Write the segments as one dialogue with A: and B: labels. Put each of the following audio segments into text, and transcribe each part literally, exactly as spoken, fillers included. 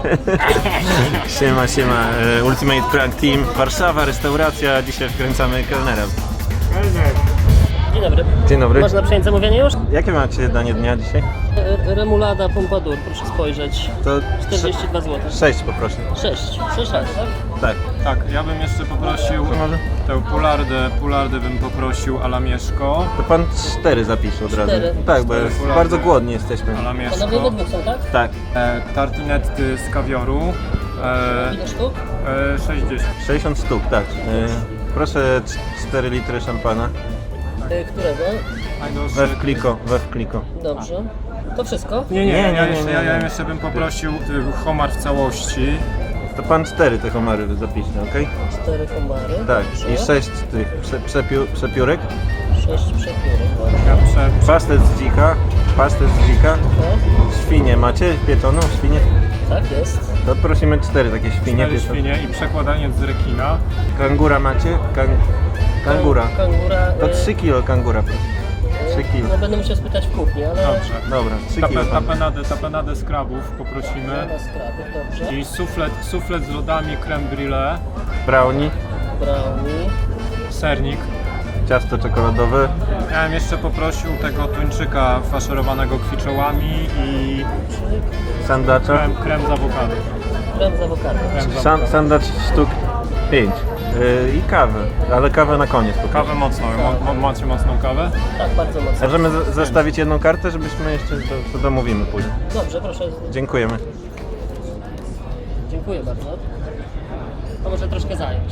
A: Siema, siema, e, Ultimate Prank Team, Warszawa, restauracja, dzisiaj wkręcamy kelnera.
B: Dzień dobry.
A: Dzień dobry.
B: Można przyjąć zamówienie już?
A: Jakie macie danie dnia dzisiaj?
B: R Remulada Pompadour, proszę spojrzeć.
A: To
B: czterdzieści dwa złote.
A: sześć poproszę.
B: sześć. sześć razy, tak?
A: Tak.
C: Tak, ja bym jeszcze poprosił
A: Może?
C: tę pulardę, pulardę bym poprosił a la mieszko.
A: To pan cztery zapisze od razu.
B: Cztery.
A: Tak, bo
C: Cztery pulardy.
A: bardzo głodni jesteśmy.
C: A la
B: Panowie we
C: mieszko.
B: dwóch są, tak?
A: Tak.
C: E, tartinetty z kawioru. E,
B: Ile sztuk?
C: e, sześćdziesiąt.
A: sześćdziesiąt sztuk, tak. E, proszę cztery litry szampana.
B: Y, którego?
C: Najdroższy.
A: We wkliko, we wkliko.
B: Dobrze. To wszystko?
C: Nie, nie,
A: Nie,
C: nie,
A: nie,
C: ja,
A: nie,
C: jeszcze,
A: nie,
C: ja, ja
A: nie.
C: jeszcze bym poprosił y, homar w całości.
A: To pan cztery te homary zapisze, okej?
B: Cztery komary.
A: Tak.
B: Dobrze.
A: I sześć tych prze, przepiu, przepiórek.
B: Sześć przepiórek.
C: Ja prze,
A: Pastet z dzika. Pastet z dzika.
B: Tak?
A: Świnię macie? Pieczoną świnię?
B: Tak jest.
A: To prosimy cztery takie świnie
C: cztery
A: pieczone.
C: świnie i przekładanie z rekina.
A: Kangura macie? Kang... Kangura.
B: Kangura.
A: To
B: y,
A: trzy kilo kangura proszę. trzy kilo.
B: No będę musiał spytać w kuchni, ale...
C: Dobrze.
A: Dobra, trzy kilo.
C: Tape,
A: pan.
C: tapenadę, tapenadę z krabów poprosimy.
B: Na skrapy, dobrze.
C: I suflet, suflet z lodami, creme brûlée,
A: Brownie,
B: Brownie.
C: sernik.
A: ciasto czekoladowe.
C: Ja bym jeszcze poprosił tego tuńczyka faszerowanego kwiczołami i
A: Sandacza.
C: krem, krem z awokado.
B: Krem z awokado.
C: Krem z
A: San,
C: awokado.
A: sandacz sztuk pięć. Yy, I kawę, ale kawę na koniec. po
C: Kawę
A: prostu.
C: mocną, mo, mo, macie mocną kawę?
B: Tak, bardzo mocno.
A: Możemy z- zostawić jedną kartę, żebyśmy jeszcze to, to domówimy później.
B: Dobrze, proszę.
A: Dziękujemy.
B: Dziękuję bardzo. To może troszkę zająć.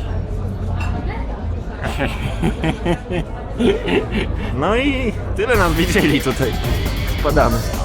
A: No i tyle nam widzieli tutaj. Spadamy.